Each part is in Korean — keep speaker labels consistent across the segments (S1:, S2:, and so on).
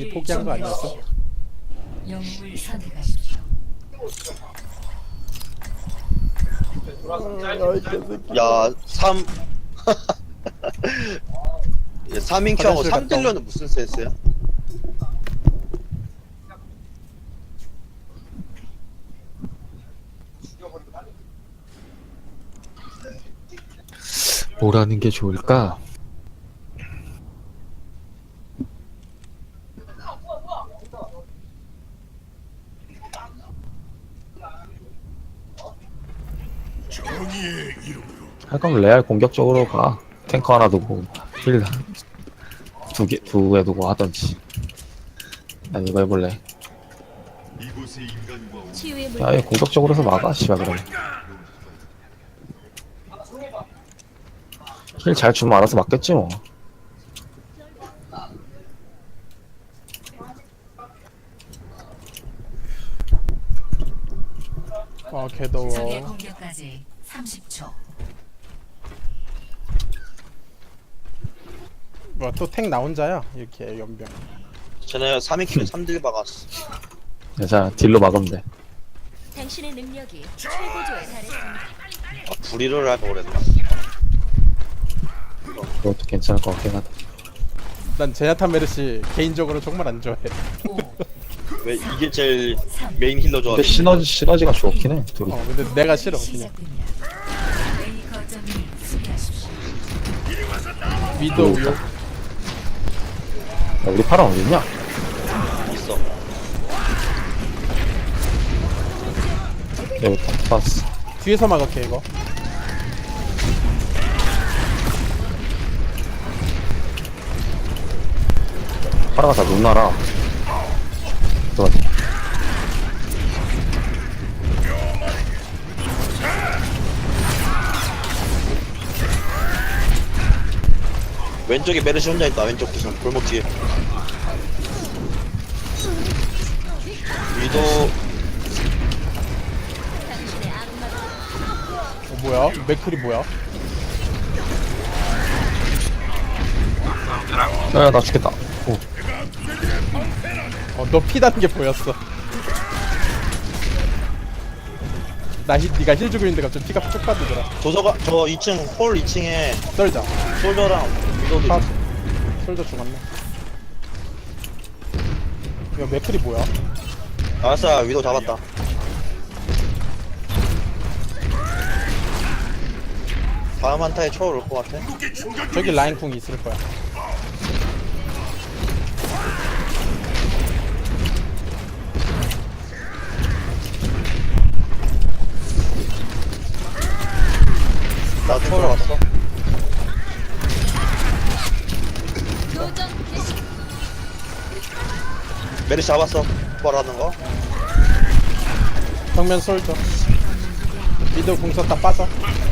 S1: 이미 포기한 거 아니었어?
S2: 영웅을 선택하십시오.
S3: 야, 3 3인 켜고
S1: 화장실 갔다
S3: 3딜러는 무슨 센스야?
S4: 뭘 하는 게 좋을까? 할 거면 레알 공격적으로 가. 탱커 하나 두고 힐 두 개 두고 하던지. 난 이거 해볼래.
S2: 치유의
S4: 야, 얘 공격적으로 해서 막아, 씨발, 그러면. 힐 잘 주면 알아서 맞겠지, 뭐.
S1: 아
S2: 적의
S1: 개더워.
S2: 공격까지 30초.
S1: 뭐야 또 탱 나 혼자야? 이렇게 연병.
S3: 쟤네 3인 켜고 3딜 박았어.
S4: 자, 딜로 막으면 돼.
S2: 당신의 능력이 최고조에 달했습니다.
S3: 아, 불의를 할 걸 그랬나?
S4: 그것도 괜찮을 것 같긴 하다.
S1: 난 제냐타 메르시 개인적으로 정말 안 좋아해.
S2: 5,
S3: 왜 이게 제일 메인 힐러
S4: 근데
S3: 조합이?
S4: 시너지가 좋긴 해, 둘이.
S1: 근데 내가 싫어 그냥.
S2: 시작됩니다. A 거점을 수비하십시오.
S1: 위도우 요.
S4: 야, 우리 파랑 어딨냐?
S3: 있어.
S4: 여기 딱 봤어.
S1: 뒤에서 막을게 이거.
S4: 파라가 다 눈나라. 들어가자.
S3: 왼쪽에 메르시 혼자 있다. 왼쪽 구석 골목 뒤에. 위도
S1: 뭐야? 맥클이 뭐야?
S4: 야, 나 죽겠다. 오.
S1: 너 피다는 게 보였어. 니가 힐 주고 있는데 갑자기 피가 쭉 빠지더라.
S3: 도서가 저 2층 홀 2층에
S1: 썰자.
S3: 솔저랑 위도도
S1: 파.
S3: 있어.
S1: 솔저 죽었네. 야 맥클이 뭐야?
S3: 알았어, 위도 잡았다. 다음 한타에 초월 올 것 같아.
S1: 저기 라인 궁이 있을 거야.
S3: 나 초월 왔어. 메르시 잡았어. 초월하는 거.
S1: 정면 솔저. 미드 궁 썼다 빠져.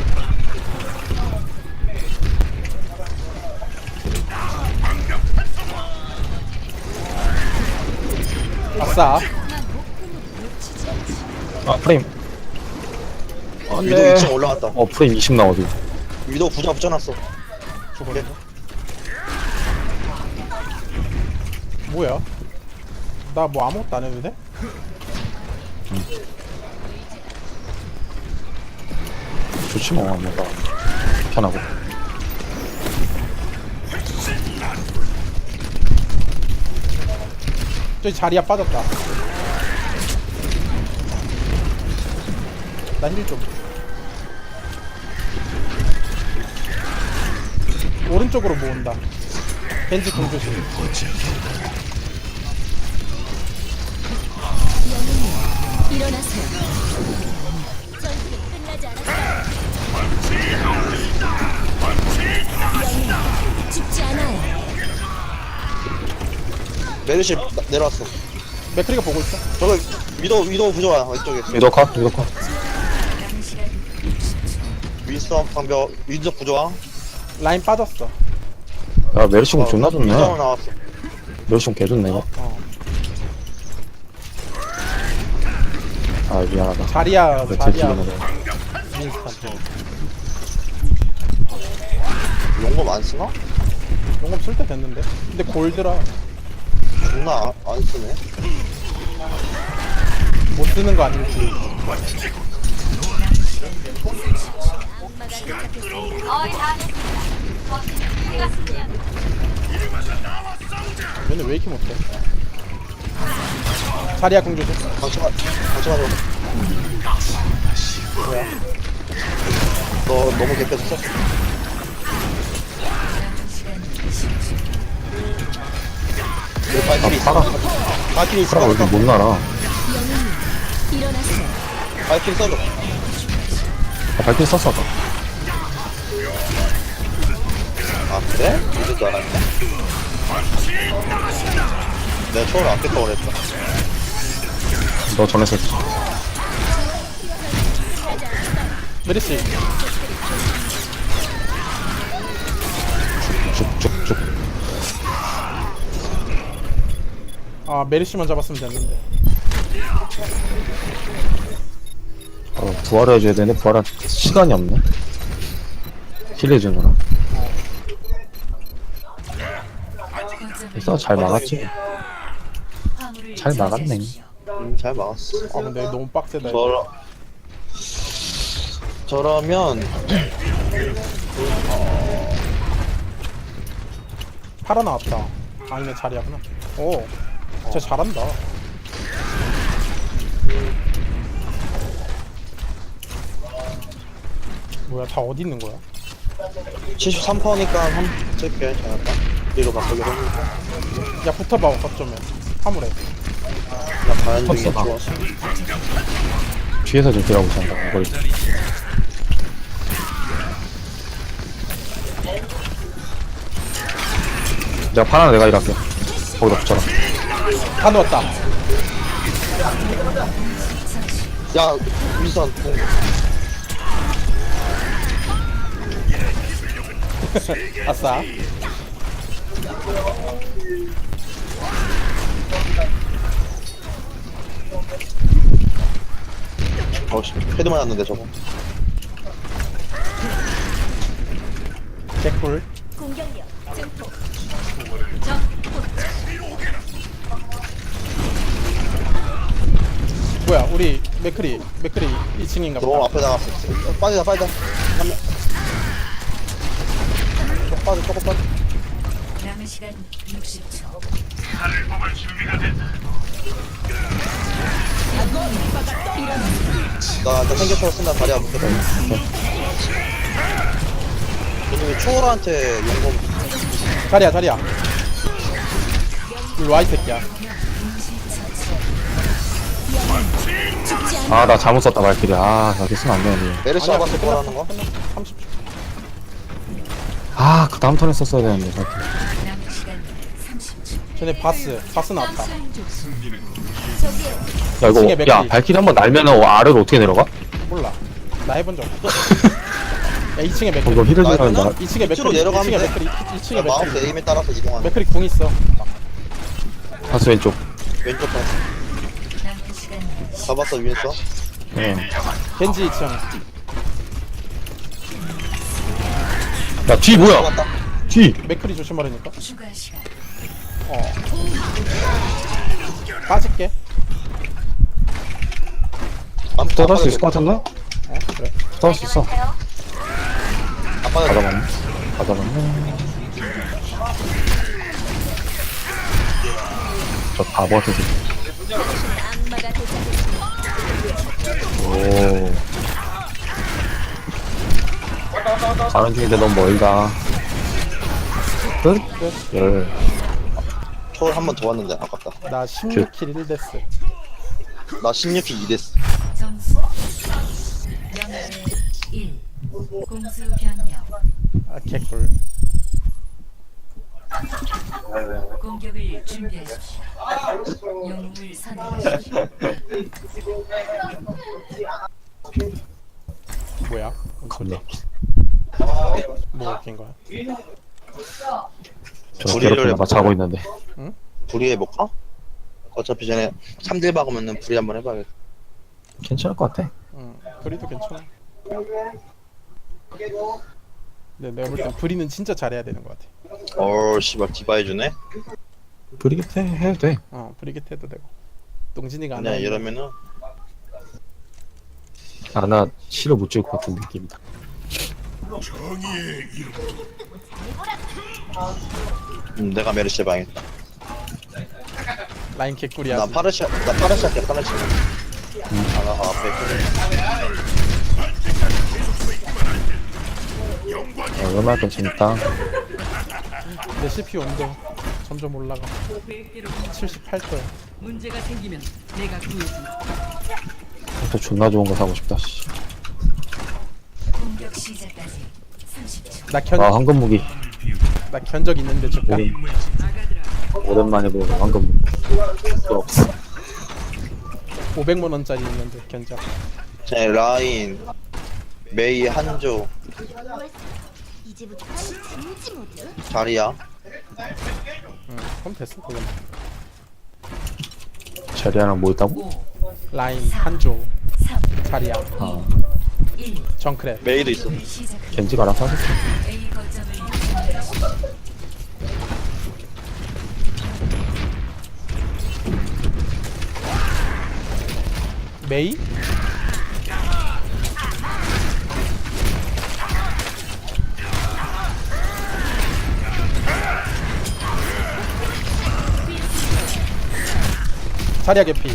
S1: 아싸.
S4: 아, 프레임. 안
S3: 위도
S4: 돼.
S3: 2층 올라갔다.
S4: 프레임 20 나와도.
S3: 위도 부자 붙여놨어.
S1: 죽었네. 뭐야? 나 뭐 아무것도 안 해도 돼?
S4: 좋지 뭐, 뭔가. 편하고.
S1: 저기 자리야 빠졌다. 나 힐 좀. 오른쪽으로 모은다. 벤지 공조심.
S2: 일어나세요. 전투는 끝나지 않았어요. 영웅은 죽지 않아요.
S3: 메르시 내려왔어.
S1: 맥크리가 보고 있어.
S3: 저거 위도 부조야 왼쪽에.
S4: 위도 컷, 위도 컷.
S3: 윈스턴 방벽 위도 부조야.
S1: 라인 빠졌어.
S4: 야, 메르시공 존나 좋네.
S3: 윈스턴 나왔어.
S4: 메르시공 개 좋네, 이거. 아, 미안하다.
S1: 자리야
S4: 제
S1: 자리야.
S4: 딜로 먹어.
S1: 윈스턴.
S3: 용검 안 쓰나?
S1: 용검 쓸 때 됐는데. 근데 골드라.
S3: 존나 안 쓰네.
S1: 못 쓰는 거 아닐지.
S2: 악마가 도착했습니다.
S1: 얘는 왜 이렇게 못해? 자리야 공주 좀.
S3: 방치만 뭐야? 너 너무 개패졌어? 내 발길이 있어.
S4: 파라
S3: 발길이 있어.
S4: 파라 왜 이렇게 못 날아?
S2: 영웅님, 일어나세요.
S3: 발길이 써줘.
S4: 발길 썼어 아까.
S3: 아 그래? 이럴 줄 알았네. 내가 초월 아꼈다고 그랬다.
S4: 너 전에 썼지.
S1: 메리씨.
S4: 쭉쭉쭉.
S1: 아 메리씨만 잡았으면 됐는데.
S4: 부활을 해줘야 되는데 부활할 시간이 없네. 힐해주느라. 그래서 잘 막았지. 잘 막았네.
S3: 잘 막았어.
S1: 아 근데 너무 빡세다.
S3: 저러면
S1: 팔아 나왔다. 아니네 자리야구나. 오, 진짜 잘한다. 뭐야 다 어디 있는 거야?
S3: 73%니까 한 찍게 잘했다. 뒤로 바꾸기로 했는데
S1: 야 붙어봐 거점에 화물에.
S3: 나 가는 중에
S4: 컸어, 나.
S3: 좋았어.
S4: 뒤에서 좀 딜하고 있었다. 이걸. 내가 파라 내가 일할게. 거기다 붙여라.
S1: 다 넣었다.
S3: 야 윈선 공.
S1: 아싸.
S3: 어씨 헤드 맞았는데 저거.
S1: 개꿀.
S2: 공격력 증폭.
S1: 뭐야 우리 맥크리 2층인가
S3: 너무
S1: 보다.
S3: 앞에 나갔어. 빠지자. 조금 빠져.
S2: 남은 시간 60초.
S3: 나 생겨서 쓴다 다리 안 붙겠다. 근데 왜 초월한테 용검
S1: 자리야. 일로 와이 새끼야.
S4: 아, 나 잘못 썼다, 발길이. 아, 나 이렇게 쓰면 안 되는데.
S3: 메르시 잡았어 뭐라는 거?
S1: 30초.
S4: 아, 그 다음 턴에 썼어야 되는데, 발길이.
S2: 남은 시간 30초.
S1: 쟤네 바스 나왔다.
S4: 야, 이거,
S1: 층에
S4: 야,
S1: 맥힐이.
S4: 발길이 한번 날면은 아래로 어떻게 내려가?
S1: 몰라. 나 해본 적 없어. 야 2층에 맥크리.
S4: 이거 힐을
S3: 나
S4: 주라는
S3: 그냥?
S4: 나.
S1: 2층에
S3: 밑으로
S1: 맥크리.
S3: 내려가면
S1: 2층에
S3: 돼.
S1: 맥크리. 2층에
S3: 야, 마우스
S1: 맥크리.
S3: 에임에 따라서 이동하는
S1: 맥크리 궁 있어.
S4: 파스 왼쪽.
S3: 왼쪽 봐.
S2: 남은 시간
S3: 잡았어 위에서.
S4: 예.
S1: 겐지 2층.
S4: 야, 뒤 뭐야?
S3: 잡았다.
S4: 뒤!
S1: 맥크리 조심하라니까.
S2: 추가 시간.
S1: 어. 빠질게.
S4: 붙어갈 수 있을 것 같은데?
S1: 어 그래.
S4: 붙어갈 수 있어.
S3: 안 빠져.
S4: 받아봤네. 받아봤네. 저 바보 같은 새끼.
S2: 악마가 도착했습니다.
S4: 오. 가는 중인데 너무 멀다. 끝? 열.
S3: 초월 한 번 더 왔는데 아깝다.
S1: 나 16킬 1데스.
S3: 나 16킬 2데스.
S2: 점수 0대 1. 공수 변경.
S1: 아 개꿀.
S2: 공격을 준비하십시오. 영웅을 선택하십시오.
S1: 뭐야?
S4: 겁나.
S1: 뭐 웃긴 거야?
S4: 저
S3: 우리를
S4: 괴롭히나 봐 자고 있는데.
S3: 불이 해볼까? 어차피 전에 3딜 박으면은 불이 한번 해봐야겠다.
S4: 괜찮을 것 같아.
S1: 응. 브리도 괜찮아. 근데 내가 볼 땐 브리는 진짜 잘해야 되는 것 같아.
S3: 씨발 디바 해주네.
S4: 브리기테 해도 돼.
S1: 브리게트 해도 되고. 동진이가 안
S3: 그냥
S1: 하면
S3: 이러면은
S4: 아나 실어 못 찍을 것 같은 느낌이다.
S3: 내가 메르시 방했다.
S1: 라인 개꿀이야.
S3: 나 파르시 할게 파르시. 아나가 앞에
S4: 얼마나 더 재밌다.
S1: 내 CPU 온도 점점 올라가. 78도야.
S2: 문제가 생기면 내가 구해준다.
S4: 또 존나 좋은 거 사고 싶다. 씨.
S2: 공격 시작까지 30초.
S4: 아 황금 무기.
S1: 나 견적 있는데 줄까?
S4: 오랜만에 보는 황금 무기. 또 없어.
S1: 500만 원짜리 있는데 견적.
S3: 제 라인 메이 한조
S5: 이제부터 진지 모드.
S3: 자리야.
S1: 그럼 됐어 그건.
S4: 자리하랑 뭐 있다고?
S2: 5,
S1: 라인 한조
S2: 3,
S1: 자리야
S4: 아
S2: 1.
S1: 정크랩.
S3: 메이도 있어.
S2: 시작.
S4: 겐지가 알아서 하겠지.
S2: A 거점을 점령하십시오.
S1: 메이? 자리야 개피.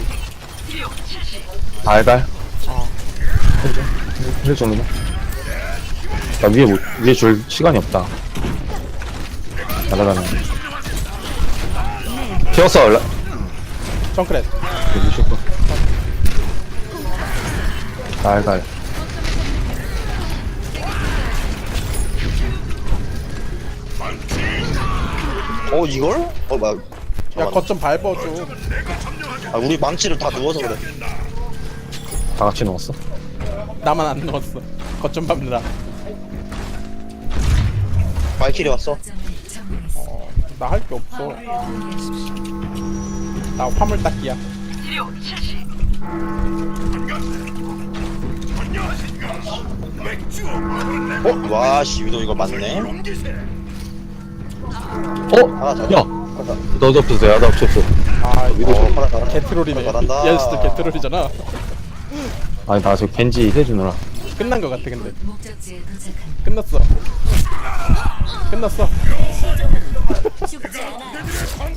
S4: 알갈. 해줄 정도면. 나 위에 줄 시간이 없다. 날아가는. 튀었어.
S1: 정크랩.
S4: 여기 슈퍼. 알갈.
S3: 이걸? 막.
S1: 야 거점 밟아줘.
S3: 우리 망치를 다 누워서 그래.
S4: 다 같이 넣었어.
S1: 나만 안 넣었어. 거점 밟느라.
S3: 발키리 왔어.
S2: 거점을 점령했습니다.
S1: 나 할 게 없어. 나 화물 닦기야.
S3: 와씨 위도 이거 맞네. 아,
S4: 야! 너도 없었어. 야도 없었어.
S1: 아 이거
S3: 파라 잘한다.
S1: 개트롤이네.
S3: 잘한다.
S1: 얘스도 개트롤이잖아.
S4: 아니 나 저 겐지 해주느라.
S1: 끝난 거 같아 근데.
S2: 목적지에 도착한
S1: 끝났어. 끝났어.
S2: 죽지 않아.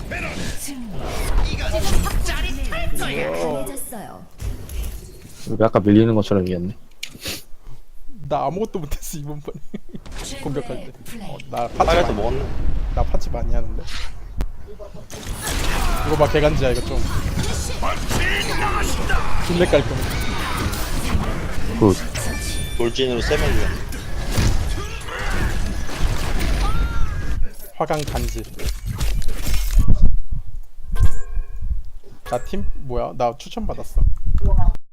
S5: 강해졌어요.
S4: 우리 아까 밀리는 것처럼 이겼네.
S1: 나 아무것도 못했어 이번 번에. 공격할 때.
S2: 플레이.
S1: 나 파츠
S3: 빨간색
S1: 많이,
S3: 먹었네.
S1: 나 파츠 많이 하는데. 이거 봐 개간지야 이거 좀. 존내 깔끔.
S4: 굿.
S3: 돌진으로 세면 죽였네.
S1: 화강 간지. 나 팀 뭐야? 나 추천 받았어.